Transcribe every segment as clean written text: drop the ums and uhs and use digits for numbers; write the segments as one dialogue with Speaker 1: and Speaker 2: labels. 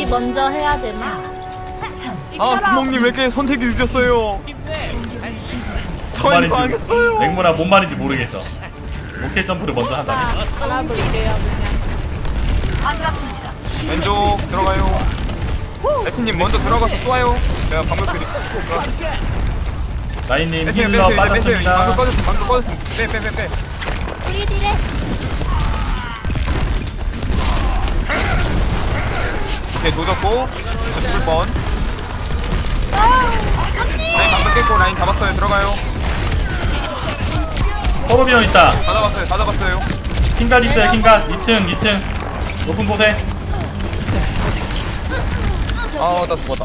Speaker 1: 먼저 해야 되나?
Speaker 2: 아 구멍님 왜 이렇게 선택이 늦었어요? 저희 망했어요.
Speaker 3: 맹문아 뭔 말인지 모르겠어. 오케이 점프를 먼저 한다니.
Speaker 1: 알아볼게요 그냥.
Speaker 2: 왼쪽 들어가요. 에티님 먼저 들어가서 쏘아요. 제가 방금 드릴게요.
Speaker 3: 라인님
Speaker 2: 빼세요
Speaker 3: 힐러
Speaker 2: 빼세요 빼세요.
Speaker 3: 빠졌습니다.
Speaker 2: 방금 꺼졌음 방금 꺼졌음. 빼.
Speaker 1: 우리 딜에.
Speaker 2: 오케이 조졌고 저 죽을 뻔. 라인 방금 깼고 라인 잡았어요. 들어가요.
Speaker 3: 호르비온 있다.
Speaker 2: 다 잡았어요.
Speaker 3: 킹갓 있어요. 킹갓 2층 높은 곳에.
Speaker 2: 아 나 죽었다.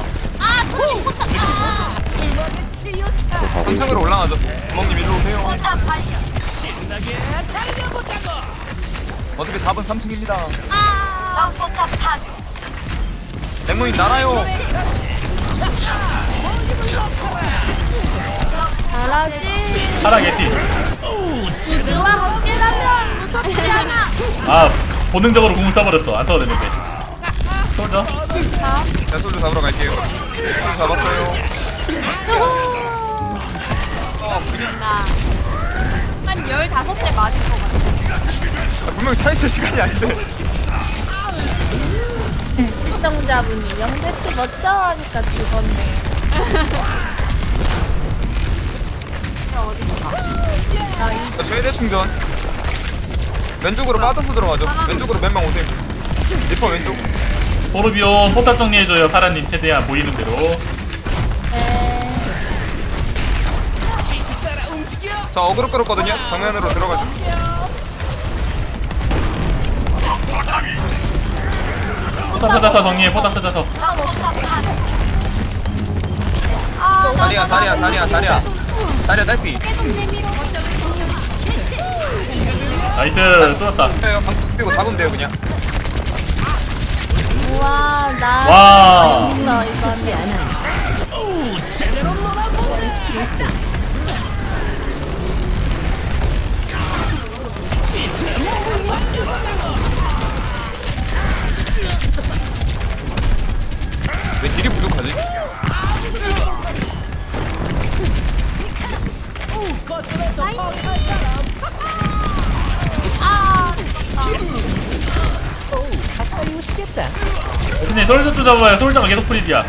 Speaker 2: 한층으로 올라가죠. 구멍님 일로 오세요. 어차피 답은 3층입니다. 맹모님 날아요.
Speaker 1: 잘하지.
Speaker 3: 차라 개티.
Speaker 1: 누가 함께라면 무섭지 않아.
Speaker 3: 아 본능적으로 공을 써버렸어. 안 써도 되는데. 솔져.
Speaker 2: 자 솔로 잡으러 갈게요. 솔로 잡았어요.
Speaker 1: 한 15대 맞을 것 같아.
Speaker 2: 분명히 차있을 시간이 아닌데.
Speaker 1: 시청자분이 영대트 멋져 하니까 죽었네.
Speaker 2: 자, 최대 충전. 왼쪽으로 빠져서 들어가죠. 왼쪽으로 몇 명 오세요. 리퍼 왼쪽.
Speaker 3: 호르비온 포탑 정리해줘요. 파라님 최대한 보이는 대로.
Speaker 2: 자 어그로 끌었거든요. 정면으로 들어가죠.
Speaker 3: 포탑 찾아서 정리해. 포탑 찾아서.
Speaker 2: 자리야 딸피.
Speaker 3: 나이스. 뚫었다.
Speaker 2: 방금 빼고 잡으면 돼요 그냥.
Speaker 1: 우와 나
Speaker 3: 와.
Speaker 1: 있어 이거는.
Speaker 2: 왜 딜이 부족하지?
Speaker 3: 대신에 솔저 잡아요. 솔저가 계속 프리디야.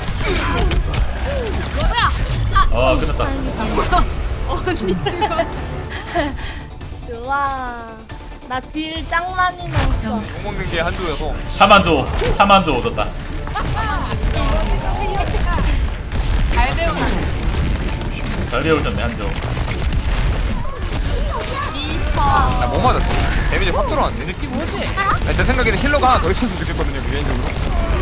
Speaker 3: 아 끝났다.
Speaker 1: 우와 나 딜 짱 많이 넣었어.
Speaker 2: 못 먹는 게 한조여서.
Speaker 3: 차만 줘 얻었다.
Speaker 1: 잘 배우나.
Speaker 3: 잘 배우셨네 한조.
Speaker 1: 미스터.
Speaker 2: 나뭐 맞았지? 데미지 확 들어왔는데? 제 생각에는 힐러가 하나 더 있었으면 좋겠거든요 개인적으로.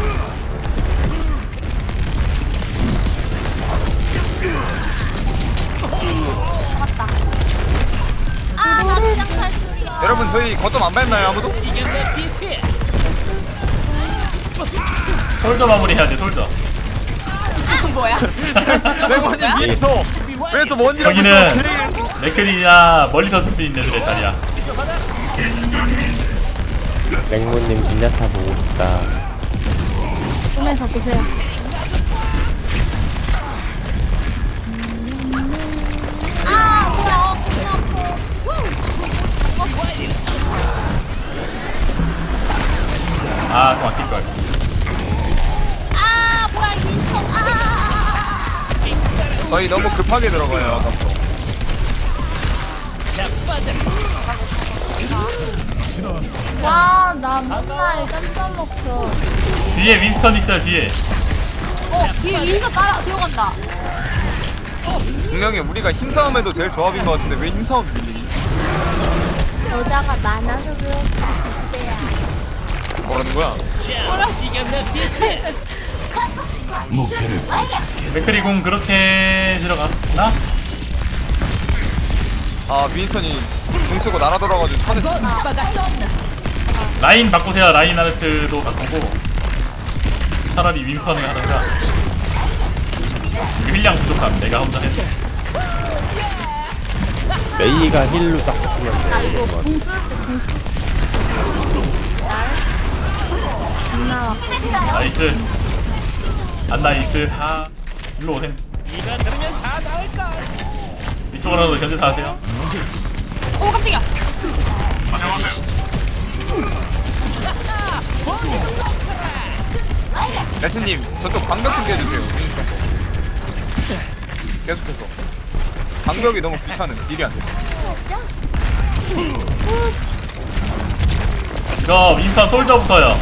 Speaker 1: 나 그냥 살 수 있어.
Speaker 2: 여러분 저희 거점 안 밟나요 아무도?
Speaker 3: 솔저 마무리 해야 돼. 솔저.
Speaker 2: 레고님 위에서 원이라고
Speaker 3: 여기는 맥클이나 멀리서 쓸 수 있는 애들의 자리야.
Speaker 4: 맹모님 진야타 보고 싶다.
Speaker 1: 꿈에서 보세요.
Speaker 3: 아, 또 아낄걸.
Speaker 1: 뭐야 미스터.
Speaker 2: 저희 너무 급하게 들어가요 아까부터.
Speaker 1: 와, 나 맨날 깜짝 먹혀.
Speaker 3: 뒤에 윈스턴 있어요, 뒤에.
Speaker 1: 뒤에 위에서 따라 들어간다.
Speaker 2: 분명히 우리가 힘싸움해도 될 조합인 것 같은데 왜 힘싸움 빌리니?
Speaker 1: 여자가 많아서 그렇대야.
Speaker 2: 뭐라는 거야?
Speaker 3: 맥클이 공 그렇게 들어갔나?
Speaker 2: 아 윈스턴이 공 쓰고 날아들어가지고 차냈어.
Speaker 3: 라인 바꾸세요. 라인 아르트도 바꾸고 차라리 윈스턴을 하던가. 힐량 부족함. 내가 혼자 했어.
Speaker 4: 메이가 힐로 딱 붙으면
Speaker 1: 나
Speaker 4: 돼.
Speaker 1: 이거 공수 날. 나
Speaker 3: 나이스. 안나이스. 아 일로 오셈. 이쪽으로도 견제 다 하세요.
Speaker 1: 오 깜짝이야.
Speaker 2: 레츠님 저쪽 방벽 좀 깨주세요. 윈스턴. 계속해서 방벽이 너무 귀찮은 딜이 안 돼.
Speaker 3: 이거 윈스턴 솔저부터요.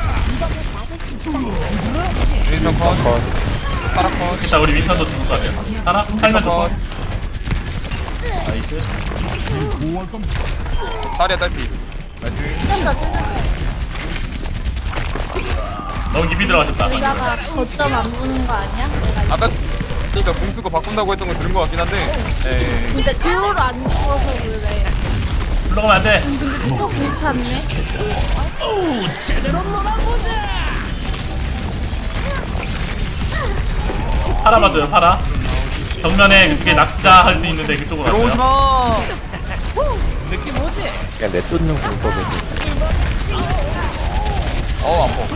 Speaker 2: 윈스턴 컷. 파라 컷.
Speaker 3: 일단 우리 윈스턴도 죽을 것 같아요. 하나? 살면 좋고.
Speaker 2: 컷.
Speaker 3: 나이스.
Speaker 2: 사리아 딸피. 나이스.
Speaker 1: 찢었어 찢었어.
Speaker 3: 너무 깊이 들어가셨다.
Speaker 1: 여기다가 거점 안 보는 거 아니야? 내가
Speaker 2: 아까 그러니까 공수거 바꾼다고 했던 거 들은 것 같긴 한데. 에이.
Speaker 1: 근데 듀오로 안 죽어서 그래.
Speaker 3: 불러가면 안 돼.
Speaker 1: 근데 또 괜찮네.
Speaker 3: 파라 봐줘요, 파라. 정면에 그게 낙자 할 수 있는데 그쪽으로
Speaker 2: 들어오지
Speaker 3: 갔어요.
Speaker 2: 마.
Speaker 4: 그냥 내쫓는 공법을.
Speaker 2: 아파.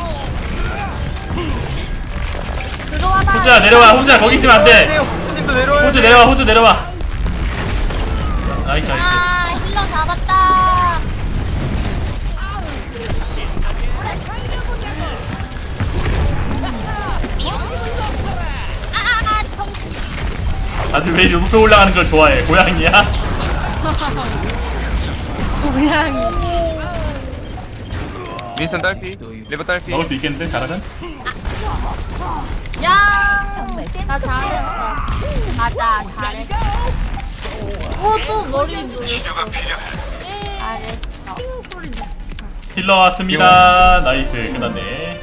Speaker 1: 들어와봐.
Speaker 3: 호주야 내려와. 호주야 거기 있으면 안 돼.
Speaker 2: 호주님도 내려와요.
Speaker 3: 호주 내려와. 호주 내려와. 나이스 나이스.
Speaker 1: 아 힐러 잡았다. 아아아 정신.
Speaker 3: 다들 왜 높이 올라가는 걸 좋아해? 고양이야?
Speaker 1: 고양이.
Speaker 2: 윈스턴 딸피. 리버 딸피.
Speaker 3: 먹을 수 있겠는데 잘하면?
Speaker 1: 야. 나 잘했어. 맞아 잘했어. 오또 머리 누렸어. 잘했어. 소리 나.
Speaker 3: 힐러 왔습니다. 나이스 끝났네.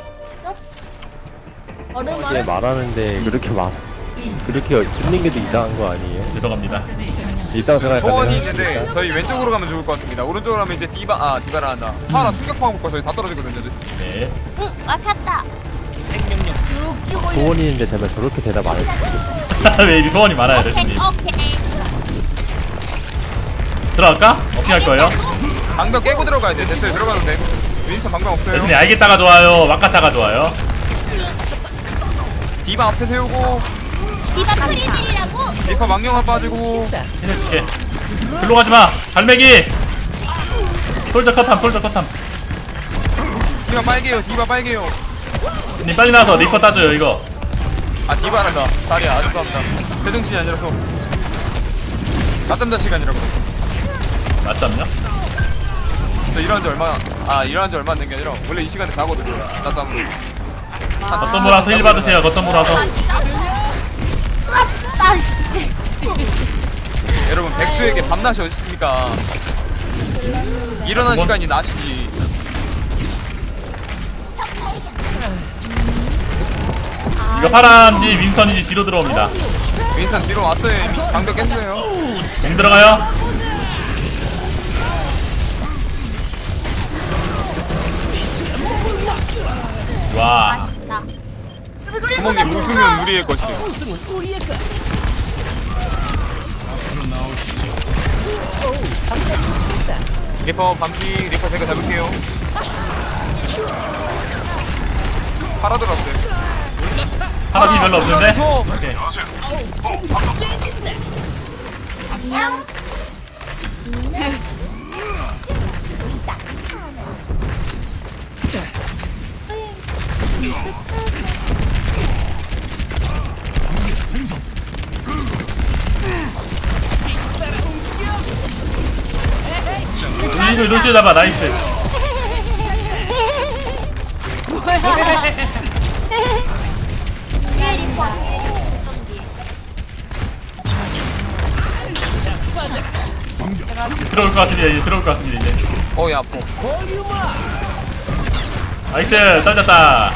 Speaker 4: 이게
Speaker 1: 오랜만에.
Speaker 4: 말하는데 그렇게 힘든 게 더 이상한 거 아니에요?
Speaker 3: 죄송합니다.
Speaker 4: 일상생활
Speaker 2: 소원이
Speaker 4: 가능하십니까?
Speaker 2: 있는데 저희 왼쪽으로 가면 좋을 것 같습니다. 오른쪽으로 가면 이제 디바라 한다. 파라 충격파 먹고 저희 다 떨어지거든요.
Speaker 3: 네.
Speaker 1: 응 막혔다.
Speaker 4: 소원이 있는데 제발 저렇게 대답 안 해주세요.
Speaker 3: 왜 이리 소원이 많아요,
Speaker 1: 오케이
Speaker 3: 대신님?
Speaker 1: 오케이.
Speaker 3: 들어갈까? 어떻게 할 거예요?
Speaker 2: 방벽 깨고 들어가야 돼. 됐어요. 들어가도 돼. 윈스턴 방벽 없어요.
Speaker 3: 대신님 알겠다가 좋아요. 막갔다가 좋아요.
Speaker 2: 디바 앞에 세우고
Speaker 1: 디바 프리딜이라고.
Speaker 2: 리퍼 망령아 빠지고
Speaker 3: 해줄게. 글로 가지 마. 갈매기. 솔저 컷함. 솔저 컷함.
Speaker 2: 디바 빨개요. 디바 빨개요.
Speaker 3: 님 빨리 나와서 리퍼 따줘요 이거.
Speaker 2: 아 디바란다. 사리야 아직도 합니다. 제정신이 아니라서 낮잠자 시간이라고.
Speaker 3: 맞잡냐?
Speaker 2: 저 일어난 지 얼마 안 된 게 아니라 원래 이 시간에 자거든요. 낮잠으로.
Speaker 3: 거점 몰아서 힐 받으세요. 거점 몰아서.
Speaker 2: 여러분 백수에게 밤낮이 어디 있습니까? 일어난 시간이 낮이지.
Speaker 3: 이거 파란지 윈선인지 뒤로 들어옵니다.
Speaker 2: 윈스턴 뒤로 왔어요. 이미 방벽 깼어요.
Speaker 3: 공 들어가요. 와.
Speaker 1: 맛있다.
Speaker 2: 구멍님 웃으면 우리의 것이래. 리퍼 반피. 리퍼 제가 잡을게요. 팔아 들어왔어요.
Speaker 3: 파란지 별로 없는데?
Speaker 2: 소.
Speaker 3: 오케이. 루시를 루시 잡아. 나이스.
Speaker 1: 위에 리퍼.
Speaker 3: 들어올 것 같은데 이제 들어올 것 같은데 이제.
Speaker 2: 어야 아파.
Speaker 3: 나이스. 떨렸다.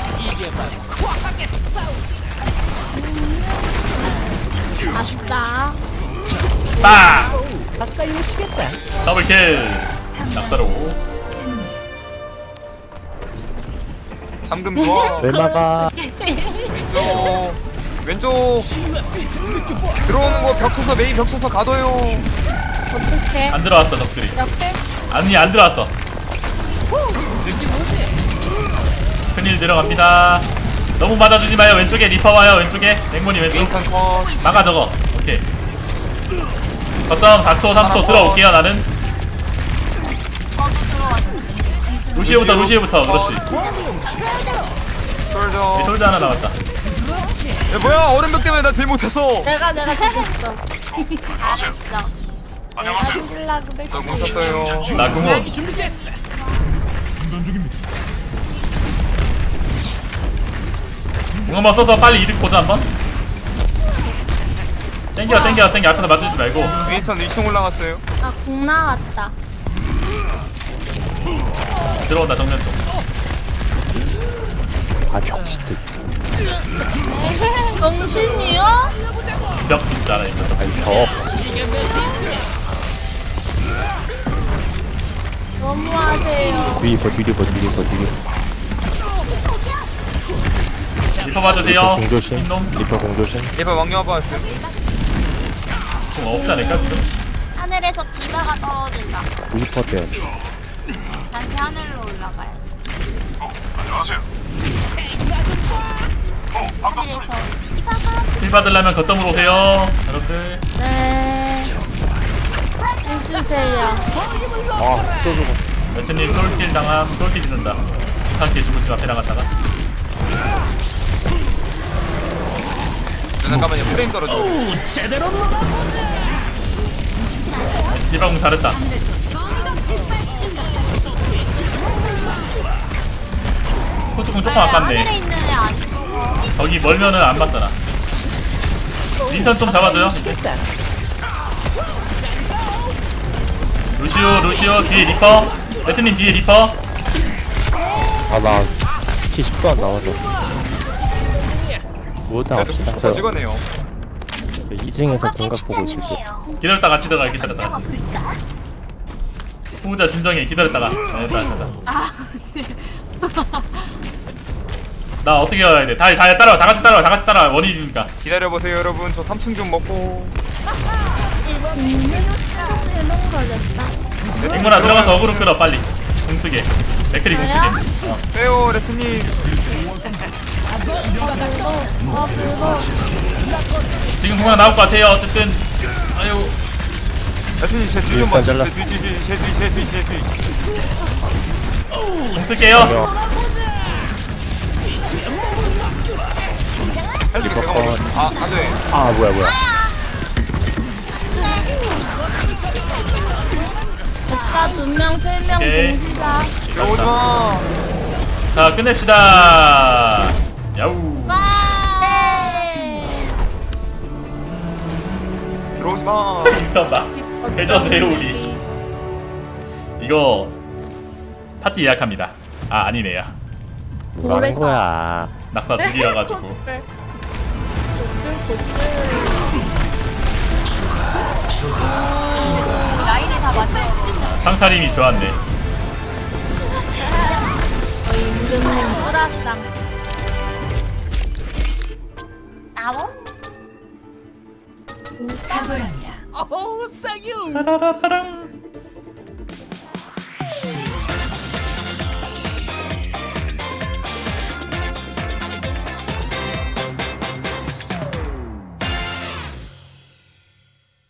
Speaker 1: 아쉽다.
Speaker 3: 빡. 더블킬. 낙사로.
Speaker 2: 3금 좋아.
Speaker 4: 왜 막아?
Speaker 2: 왼쪽 들어오는 거 벽 쳐서 메인 벽 쳐서 가둬요.
Speaker 1: 어떡해?
Speaker 3: 안 들어왔어 적들이.
Speaker 1: 옆에?
Speaker 3: 아니 안 들어왔어. 큰일 들어갑니다. 너무 맞아주지 마요. 왼쪽에 리퍼 와요. 왼쪽에 맹문이 왼쪽.
Speaker 2: 윈선 컷.
Speaker 3: 막아 저거. 오케이. 거점 4초 3초 들어올게요. 나는
Speaker 1: 저도 들어왔어.
Speaker 3: 루시우부터 그렇지.
Speaker 2: 솔저.
Speaker 3: 이 솔드 하나 나왔다.
Speaker 2: 야 뭐야 얼음벽 때문에 나 딜 못했어.
Speaker 1: 내가 죽였어. 알았어. 내가 죽일라고
Speaker 2: 저 뭉쳤어요.
Speaker 3: 나 궁호. 궁 한번 써서 빨리 이득 보자 한번. 땡겨 앞에서 맞추지 말고.
Speaker 2: 윈선 2층 올라갔어요.
Speaker 1: 아국 나왔다.
Speaker 3: 들어온다 정면 쪽.
Speaker 4: 아 벽 진짜.
Speaker 1: 정신이요?
Speaker 3: 벽 진짜라 이거.
Speaker 4: 아니 벽.
Speaker 1: 너무하세요.
Speaker 4: 뒤리퍼.
Speaker 3: 리퍼 봐주세요.
Speaker 4: 공조심.
Speaker 3: 흰놈.
Speaker 4: 리퍼 공조심.
Speaker 2: 예봐 왕녀 아빠 왔어요.
Speaker 3: 궁 없지 않을까 지금?
Speaker 1: 하늘에서 디바가 떨어진다.
Speaker 4: 리퍼 때.
Speaker 1: 다시 하늘로 올라가야지. 하늘에서 디바가.
Speaker 3: 힐 받으려면 거점으로 오세요 여러분들.
Speaker 1: 네. 해주세요.
Speaker 4: 아 쏘쏘.
Speaker 3: 매트님 솔킬 당함. 솔킬 짓는다. 이상하게 죽으시면 앞에 나갔다가.
Speaker 2: 잠깐만요 프레임 떨어져.
Speaker 3: 디바궁 잘했다. 호주궁 조금
Speaker 1: 하늘에
Speaker 3: 아깝네.
Speaker 1: 있는 애 안 죽어.
Speaker 3: 저기 멀면은 안 맞잖아. 윈선 좀 잡아줘요. 루시오 뒤에 리퍼. 매트님 뒤에 리퍼.
Speaker 4: 아나 키 10도 안 남았어. 뭐다
Speaker 2: 그래도
Speaker 4: 합시다.
Speaker 2: 더 찍어내요.
Speaker 4: 2층에서 공각 보고 있을게.
Speaker 3: 기다렸다 같이 들어가. 기다렸다 같이. 후자 진정해. 기다렸다가. 네, 가자. 나 어떻게 가야 돼? 다 따라와. 다 같이 따라와. 원인이니까.
Speaker 2: 기다려보세요 여러분. 저 3층 좀 먹고.
Speaker 3: 앵무나 들어가서 어그로 끌어 빨리. 공쓰게. 맥크리 공쓰게.
Speaker 2: 빼요 레트님.
Speaker 3: 지금 공항 나올 것 같아요. 어쨌든. 아유.
Speaker 2: 레트님 제 뒤 좀
Speaker 4: 일단
Speaker 2: 봐.
Speaker 4: 잘랐어.
Speaker 2: 제 뒤.
Speaker 3: 공쓸게요.
Speaker 2: 해줄게 제가 먹어. 아 안돼.
Speaker 4: 아 뭐야.
Speaker 1: 오빠 2명, 3명
Speaker 3: 오케이.
Speaker 1: 동시다.
Speaker 2: 들어오지 마.
Speaker 3: 자 끝냅시다. 야우.
Speaker 1: 와!
Speaker 2: 들어오지 마.
Speaker 3: 있었나? 회전 회로우리. 이거 파티 예약합니다. 아 아니네요.
Speaker 4: 뭐 하는 거야.
Speaker 3: 낙사 두 개여가지고.
Speaker 1: 라인을 다 만들어주네.
Speaker 3: 상차림이 좋았네.
Speaker 1: 저희 임금님 뿌라쌍. 나봉?
Speaker 3: 따라라라랑.